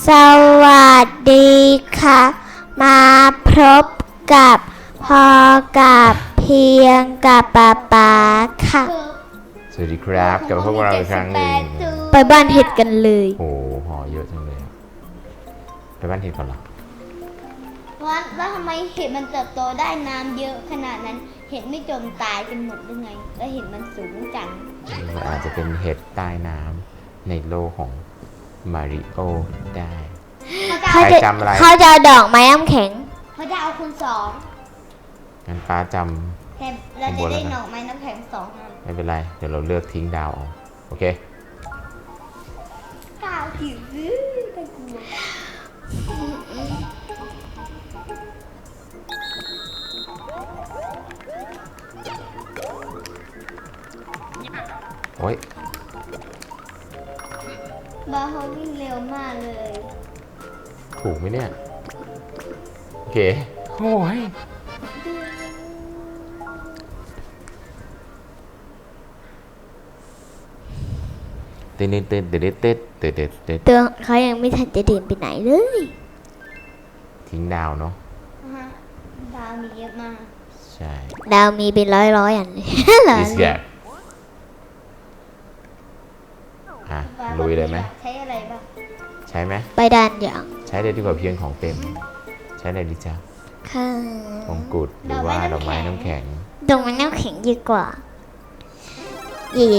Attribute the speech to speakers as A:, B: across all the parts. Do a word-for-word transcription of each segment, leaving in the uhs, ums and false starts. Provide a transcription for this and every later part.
A: สวัสดีค่ะมาพบกับพอกับเพียงกับป๊าป๊าค่ะ
B: สวัสดีครับกลับมาพบกับเราอีกครั้งหนึ่ง
A: ไปบ้านเห็ดกันเลย
B: โอ้โหห่อเยอะจังเลยไปบ้านเห็ดก่อนเหรอ
C: ว่าแล้วทำไมเห็ดมันเติบโตได้น้ำเยอะขนาดนั้นเห็ดไม่จมตายกันหมดหรือไงแล้วเห็ดมันสูงจัง
B: มันอาจจะเป็นเห็ดใต้น้ำในโลกของมาริโอได้
A: เขาจะเขาจะเอาดอกไม้น้ำแข็ง
C: เขาจะเอาคุณสอง
B: งั้นป้าจ
C: ำแต่เราจะได้ดอกไม้น้ำแข็งสองอัน
B: ไม่เป็นไรเดี๋ยวเราเลือกทิ้งดาวเอาโอเค
C: ดาวหิวไปกลัว
B: โอ้ย
C: บาเขาวิ่งเร็วมากเลย
B: ถูกไหมเนี่ยโอเคโอ้ยเต้นเต้นเต้นเต้นเต้นเต้นเต้นเต้น
A: ตัวเขายังไม่ทันจะเดินไปไหนเลย
B: ทิ้งดาวเนาะ
C: ดาวมีเยอะมาก
B: ใช่
A: ดาวมีเป็นร้อยร้อยอันเลยเหรอ
B: อ่ะลุยเลยไหม
C: ใช้อะไรบ้าง
B: ใช้ไหม
A: ไปด้านอย่าง
B: ใช้ได้ดีกว่าเพียงของเต็มใช้อะไรดีจ้ะ
A: ค่ะ
B: มงกุฎหรือว่าดอกไม้น้ำแข็ง
A: ดอกไม้น้ำแข็งดีกว่าเย่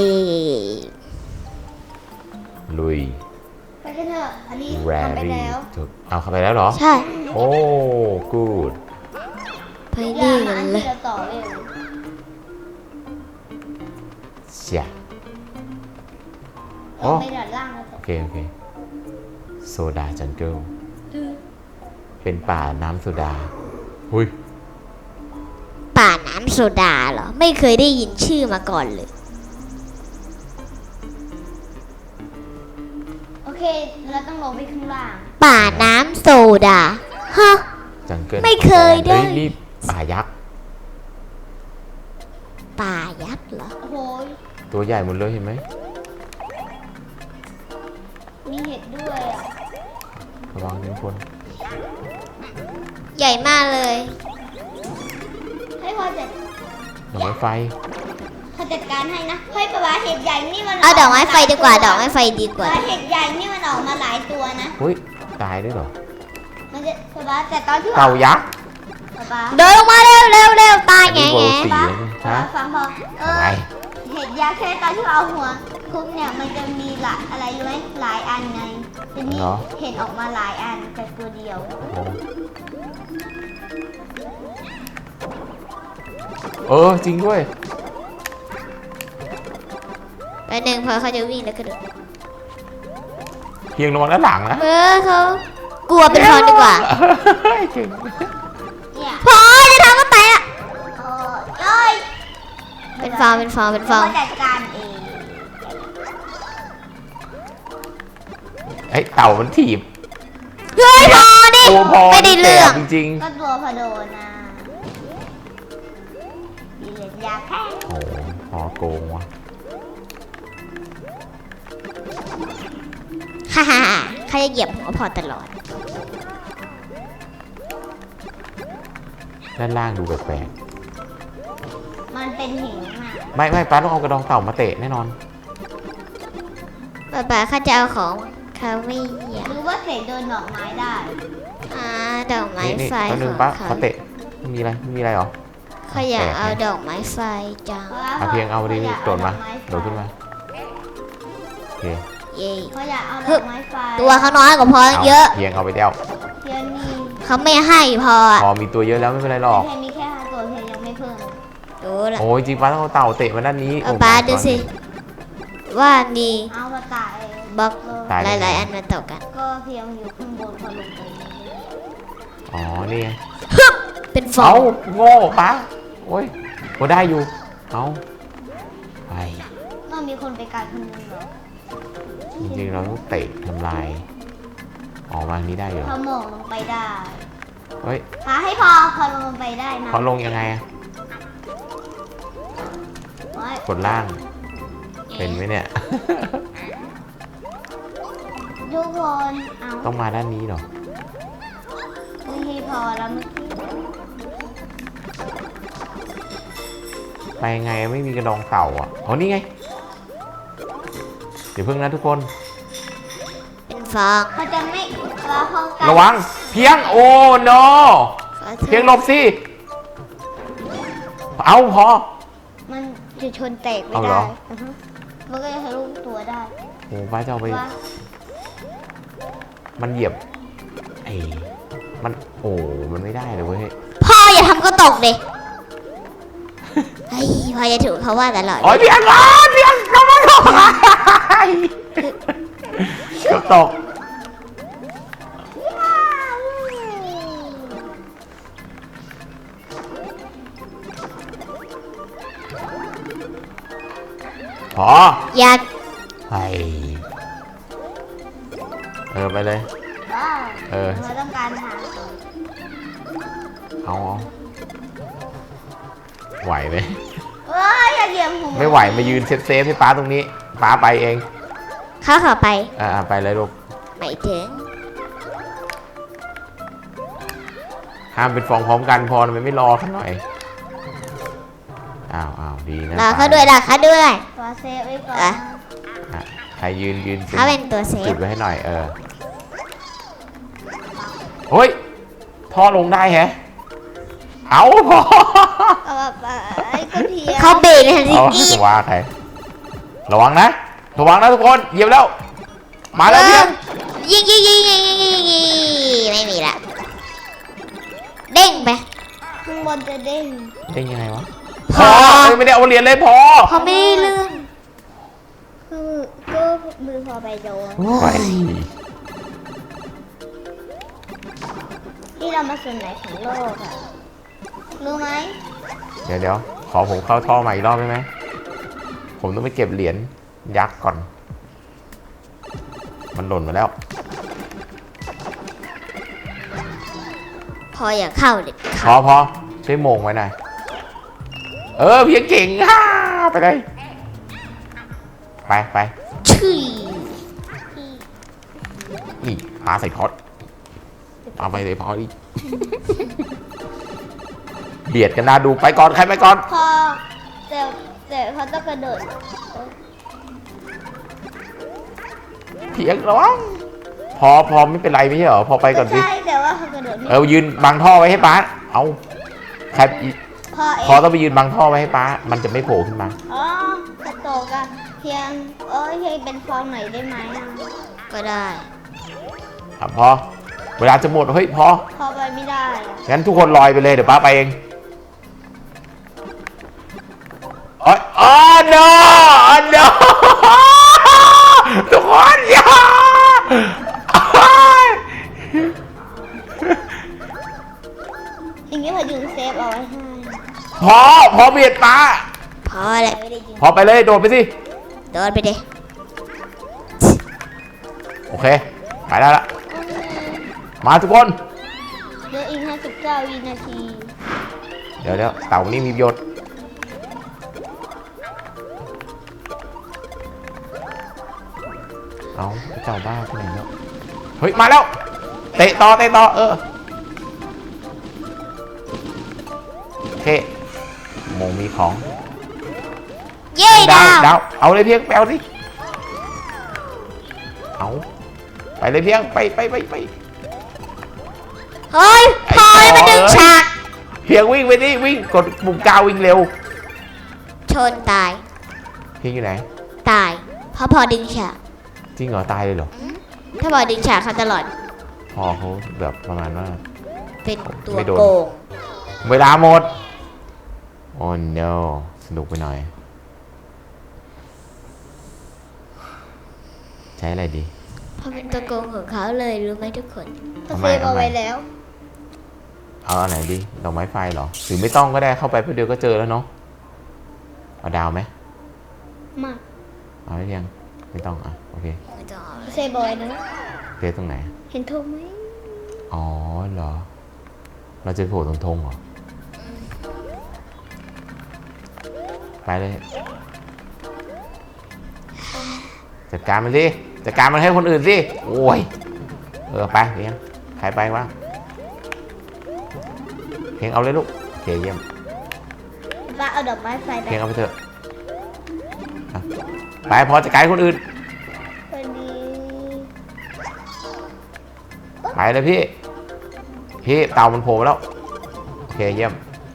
B: ลุย
C: ไปกันเถอะอันนี้ทำไปแล้ว
B: เอาเข้าไปแล้วเหรอ
A: ใช่
B: โอ้กูด
A: ไปดีกันเลย
C: ต่อเลย
B: เสีย
C: โอ้ไม่ดัดล่างแล้ว
B: โอเคโอเคโซดาจังเกิลเป็นป่าน้ำโซดาหุย
A: ป่าน้ำโซดาเหรอไม่เคยได้ยินชื่อมาก่อนเลย
C: โอเคเราต้องลงไปข้างล่าง
A: ป่าน้ำโซดาฮะ
B: จังเกิล
A: ไม่เคยได้
B: นี่ป่ายักษ์
A: ป่ายักษ์เหรอ
C: โอ้โห
B: ตัวใหญ่หมดเลยเห็นไหม
C: มีเห็ดด้วยอ่ะ
B: ระวังทุกคน
A: ใหญ่มากเลย
C: ให้พอจัด
B: ดอกไม้ไฟ
C: เขาจัดการให้นะเฮ้ยปลาเห็ดใหญ่นี่มัน
A: เอาดอกไม้ไฟดีกว่าดอกไม้ไฟดีกว่า
C: เห็ดใหญ่นี่มันออกมาหลายตัวนะ
B: เฮ้ยตายด้วยเหรอ
C: มันจะปลาแต่ตอนที่
B: เต่ายักษ์
A: เดินลงมาเร็วเร็วเร็วตายไงไง
C: ปลาฟังพอเออเห็ดยักษ์แค่ตอนที่เอาหัวคุกเนี่ยมันจะมีหลายอะไรรู้ไหมหลายอันไงทีนี้เห็นออกมาหลายอันแต่ตัวเดียว
B: เออจริงด้วย
A: ไปหนึ่งพอเขาจะวิ่งแล้วก็เดิน
B: เพียงระวังด้านหลังนะ
A: เออเขากลัวเป็นฟองดีกว่าพอจะทำก็ไปอ่ะเป็นฟองเป็นฟองเป็นฟอง
C: จัดการเอง
B: ไอ้เต่ามันถีบ
A: เฮ้ยพอดิไม่ได้เรื่อง
B: จริง
C: ๆก็ตัวพอโดนนะมีเหรียญยาแค่
B: โอ้พอโกงว่ะ
A: ฮ่าฮ่าเขาจะเหยียบหัวพอตลอด
B: ด้านล่างดูแปลก
C: ๆมันเป็นหินอ่ะ
B: ไม่ไม่ป้าต้องเอากระดองเต่ามาเตะแน่นอน
A: ป้าป้าเขาจะเอาของเขาไม่อยาก
C: รู้ว่าเตะโดนดอกไม้ได้
A: อ่าดอกไม้ไฟ
B: ของเขาเขาเตะมีอะไรมีอะไรหรอ
A: เขาอยากเอาดอกไม้ไฟจัง
B: เพียงเอาดิโดดมาโดดขึ้นมาโอเค
A: เย่
C: เขาอยากเอาดอกไม้ไฟ
A: ตัวเขาน้อยกว่าพอเยอะ
B: เพียงเอาไปเดียว
C: เพียงมี
A: เขาไม่ให้พอ
B: พอมีตัวเยอะแล้วไม่เป็นไรหรอก
C: เพียงมีแค่ห้าตัวเพียงยังไม่เพิ่ม
A: ดูละ
B: โอ้ยจริงป้าต้องเอาเต่าเตะมาด้านนี้
A: ป้าดูสิว่ามี
C: เอามาตาย
A: บล็อกหลายๆอันมาต่อกัน
C: ก็เพียงอยู่ข้างบนพอลงไป
B: อ๋อนี่ไง
A: เป็นฟอง
B: เอาโง่ป้าโอ้ยโอ้ได้อยู่เอาไป
C: ต้องมีคนไปการคนนึงเหรอ
B: จริงๆเราต้องเตะทำลายออกมานี้ได้เหรอ
C: พอหมองลงไปได้
B: เฮ้ย
C: หาให้พอพอลงไปได้นะ
B: พอลงยังไงอะกดล่างเป็นไหมเนี่ย
C: ทุกคนเอา
B: ต้องมาด้านนี้เหรอ
C: ไม่ให้พอแล้วเมื่อกี้
B: ไปไงไม่มีกระดองเต่าอ่ะอ๋อนี่ไง เดี๋ยวเพิ่งนะทุกคน
A: เป็นฟอง
C: เขาจะไม่เราเข้ากัน
B: ระวังเพียงโอ้ no
A: ขอโทษ
B: เพียงหลบสิ เอาพอ
C: มันจะชนแตกไม่
B: เอาเหร
C: ได้
B: อ
C: อือฮึมันก็จะทะลุตัวได้
B: โอ้ป้าจะเอาไป
C: ว่า
B: มันเหยียบไอ้มันโอ้มันไม่ได้เลยเว้ย
A: พ่ออย่าทำก็ตกดิเฮ้ยพ่อจะถูกเขาว่าตลอด
B: โอ้ยเพียงร้อนเพียงกำลังตกเกือบตกพอ
A: อยาก
B: ไปเออไปเลย
C: ว้าว
B: เออ
C: เราต้องการหา
B: เอาเอาไหวไหม
C: เอ้ยอย่าเหยียบหัว
B: ไม่ไหวมายืนเซฟเซฟให้ป้าตรงนี้ป้าไปเอง
A: เข้าเข้าไป
B: อ่าไปเลยลูก
A: ไม่ถึง
B: ห้ามเป็นฟองพร้อมกันพอมันไม่รอเขาหน่อยอ้าวอ้าวดีนะ
A: รอเขาด้วยรอเขาด้วย
C: ตัวเซฟไว้ก่อน
A: อ่ะ
B: อ่ะใครยืนยืน
A: เขาเป็นตัวเซ
B: จุ
A: ฟ
B: ดไว้ให้หน่อยเออโอ้ยท่อลงได้แฮะเอาพอ
C: เอาแบบไอ้ก็เทีย
A: เขาเบรกในทันที
B: เอา
A: อีก
B: ว่าใครระวังนะระวังนะทุกคนเหยียบแล้วมาแล้วเนี่ย
A: ยิงยิงยิงยิงยิงยิงยิงไม่มีละเด้งไป
C: ข้างบนจะเด้ง
B: เด้งยังไงวะ
A: พ
B: พ
A: อ
B: อเอ้ยไม่ได้เอาเหรียญเลยพอ
A: พอไม่ได้เลื่อน
C: คือก็มือพอไปโดน
B: ไป
C: ที่เรามาส่วนไหนของโลกอะรู้ไหม
B: เดี๋ยวเดี๋ยวขอผมเข้าท่อใหม่อีกรอบได้ไหมผมต้องไปเก็บเหรียญยักษ์ก่อน มันหล่นมาแล้ว
A: พออย่าเข้าเด็ด
B: พอพอช่วยโมงไว้หน่อยเออเพียงเก่งฮ่าไปเลยไปไป
A: ชื่อ
B: นี่ปลาใส่พอดเอาไปเลยพอดิ เบียดกันนะดูไปก่อนใครไปก่อน
C: พอแต่แต่เขาต้องกระโดด
B: เพียงระวังพอพอไม่เป็นไรไม่ใช่เหรอพอไปก่อนสิ
C: ใช่แต่ว่าเขากระโดดไม่
B: เออยืนบังท่อไว้ให้ป้าเอาใคร
C: พอเอ
B: พอง ต้องไปยืนบังท่อไว้ให้ป้ามันจะไม่โผล่ขึ้นมา
C: อ๋อกระโตกอะเพียงเอ้ยเพียงเป็นฟองหน่อยได้ไหมอะ
A: ก็ได้
B: อ่ะพอเวลาจะหมดเฮ้ยพอ
C: พอไปไม่ได้อะ
B: งั้นทุกคนลอยไปเลยเดี๋ยวป้าไปเองโอ้ยอ๋อ no อ๋อ no ทุกคนอย่า
C: อย่างนี้พอยุงเซฟเอาไว้ให้
B: พอพอเบียดป้า
A: พอแล้ว
C: ไม่ได้ยิง
B: พอไปเลยโดดไปสิ
A: โดนไปดิ
B: โอเคไปได้ละมาทุกคน
C: เหลืออีกห้าสิบเก้าวินาที
B: เดี๋ยวเดี๋ยวเต่านี่มีประโยชน์เอาเจ้าบ้าที่ไหนแล้วเฮ้ยมาแล้วเตะต่อเตะต่อเออโอเคโมงมีของ
A: เย้ดาว
B: ดาวเอาเลยเพียงแปลวสิเอาไปเลยเพียงไปไปไปไป
A: เฮ้ยพอให้มาดึงฉาก
B: เพียงวิ่งไปดิวิ่งกดปุ่มกาววิ่งเร็ว
A: ชนตาย
B: เพียงอยู่ไหน
A: ตาย เพราะพอดึงฉาก
B: จริงเหรอตายเลยเหรอ
A: ถ้าพอดึงฉากเขาตลอด
B: พอเขาแบบประมาณว่า
A: เป็นตัว
B: ไม่โดน
A: โกง
B: เวลาหมดโอ้ no สนุกไปหน่อย ใช้อะไรดี
A: เพราะเป็นตัวโกงของเขาเลยรู้ไหมทุกคน
C: เขา
B: ทำ
C: เซ
B: ไม
C: ฟเอา
B: ทำไม
C: ไว้แล้ว
B: เอาอันไหนดีดอกไม้ไฟเหรอหรือไม่ต้องก็ได้เข้าไปเพื่อเดียวก็เจอแล้วเนาะเอาดาวไหม
C: มา
B: เอาได้ยังไม่ต้องอ่ะโอเค
A: ไม่ต้องเอาเลย
C: เซฟเอาไว้นะ
B: เทตรงไหน
C: เห็นธงไหม
B: อ๋อเหรอเราจะโผล่ตรงธงเหรอไปเลยจัดการมันสิจัดการมันให้คนอื่นสิโอ้ยเออไปเพียงใครไปบ้างเพียงเอาเลยลูกโอเคเยี่ยม
C: ป้าเอาดอกไม้ไฟไป
B: เพียงเอาไปเถอะอ่ะไปพอจัดการคนอื่น
C: คนนี้
B: ไปเลยพี่พี่เต่ามันโผล่มาแล้วโอเคเยี่ยม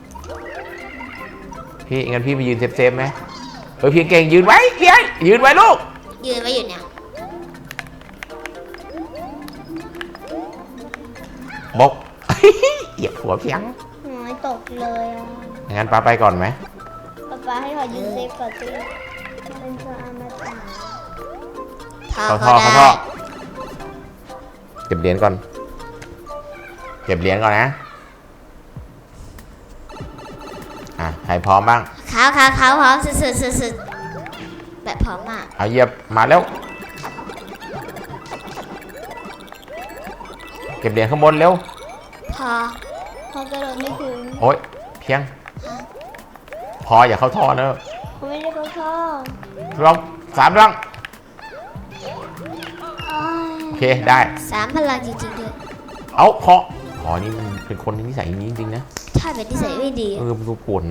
B: พี่งั้นพี่ไปยืนเซฟๆไหมเออเพียงเก่งยืนไว้เพียงยืนไว้ลูก
A: ยืนไว้อยู่เนี่ย
B: บก เหยียบหัวเพียง
C: หอยตกเลยอ่ะ
B: งั้นป้าไปก่อนไหม
C: ป้าป้าให้เขายืนเซฟก่อนสิเป็นตัวอมตะ
A: ท่อ
B: เข้าท่
A: เขา
B: อเข้า
A: ได้
B: ท่อเก็บเหรียญก่อนเก็บเหรียญก่อนนะอ่ะใครพร้อมบ้าง
A: เขาเขาเขาพร้อมสุดสุดสุดแบบพร้อมมาก
B: เอาเหยียบมาแล้วเก็บเหรียญข้างบนเร็ว
A: พอ
C: เขากระโดดไม่ถึง
B: โอ๊ยเพียง พออย่าเข้าท่อเนอะ
C: เขาไม่ได้เขาชอบ
B: ลองสามลอง
C: อ้าย
B: โอเคได้
A: สามพลังจริงๆด้วย
B: เอาพอพอนี่มันเป็นคนที่นิสัยอย่างนี้จริงๆนะ
A: ถ้าเป็นนิสัยไม่ดี
B: เออมันดูป่วน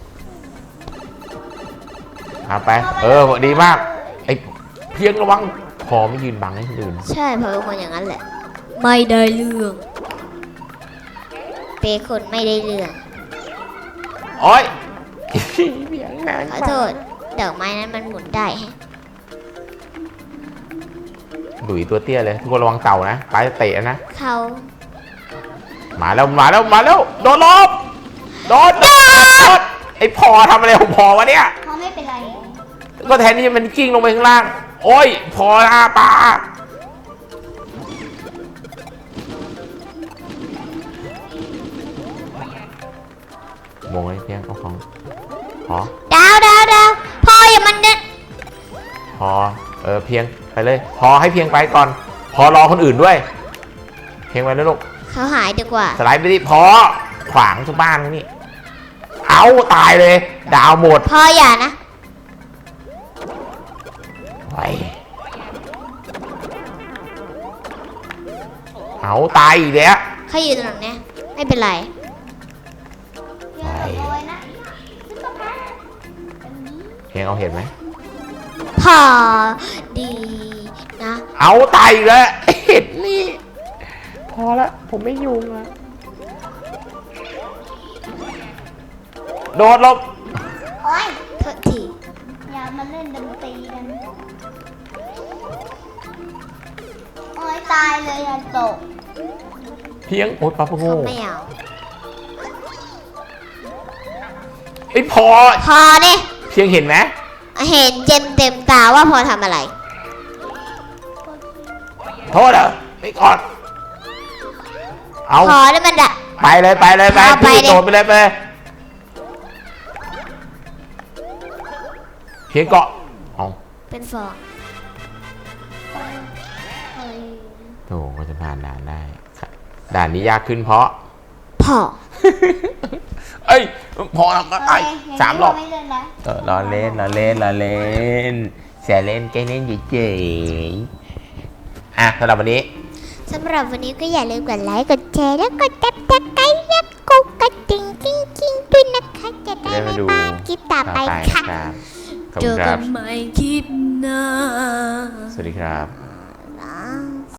B: เอาไป เออดีมากไอ้เพียงระวังพอไม่ยืนบังให้คนอื่น
A: ใช่เพราะเป็นคนอย่างนั้นแหละ ไม่ได้เรื่องเป็นคนไม่ได้เรื่อง
B: โอ๊ยเพียงนะ
A: ขอโทษดอกไม้นั้นมันหมุนได้ฮะ
B: ดุยตัวเตี้ยเลยทุกคนระวังเต่านะไปเตะนะ
A: เขา
B: มาแล้วมาแล้วมาแล้วโดนลบโดนโดนไอ้พอทำอะไรของพอวะเนี่ย
C: เขาไม่เป็นไร
B: ก็แทนที่มันกิ้งลงไปข้างล่างโอ้ยพอละปลาโมงไอ้เพียงเอาของพอ
A: ดาวดาวดาวพออย่ามันเดิน
B: พอเออเพียงไปเลยพอให้เพียงไปก่อน พอรอคนอื่นด้วย เพียงไปแล้วลูก
A: เขาหายดีกว่า
B: สไลด์ไปดิพอขวางทุกบ้านนี่เอาตายเลย ดาวหมด
A: พออย่านะ
B: ไปเอาตายอีกแล้ว
A: เขาอยู่ตรงนี้ไม่เป็นไร
C: อย่าขโมยนะซุปเปอร์แมนอันนี้
B: เพียงเอาเห็นไหม
A: พอดีนะ
B: เอาตายอีกแล้วเห็นนี่พอละผมไม่ยุ่งละโดดลบ
C: โอ๊ย
A: โทษที
C: อย่ามาเล่นดนตรีกันโอ๊ยตายเลยอย่าตก
B: เพียงโอ๊ยปลาพะโง่
A: เขาไม่เอา
B: ไอ้ยพอ
A: พอเนี่ย
B: เพียงเห็นไหม
A: เห็นเต็มเต็มตาว่าพอทำอะไร
B: โทษเหรอไปก่อนเอา
A: พอแล้วมันดะ
B: ไปเลยไปเลยไป
A: เอาไป
B: พี่
A: ดิ
B: โดดไปเลยไปเลยเพียงเกาะเอา
A: เป็นฟอง
B: โถก็จะผ่านด่านได้ครับด่านนี้ยากขึ้นเพราะ
A: พอ
B: เอ้ยพอแล้วก็ไอ้
C: โอเค
B: สามรอบ
C: ไม่เล่นนะ
B: เออรอเล่นรอเล่นรอเล่นแสเล่นแกเล่นเฉยๆอ่ะสำหรับวันนี้
A: สำหรับวันนี้ก็อย่าลืมกดไลค์ กดแชร์ แล้วกดติดตามกันและกดกระดิ่งกิ้งกิ้งด้วยนะคะ จะได้
B: ได้
A: ไม่
B: มาดู
A: พลาดคลิปต่อไป
B: ต่อไป
A: ค่ะ
B: ครับขอบ
A: เจ
B: คุ
A: อ
B: ณค
A: กั
B: รั
A: น
B: บ
A: ใหม่คลิปหน้า
B: สวัสดีครับ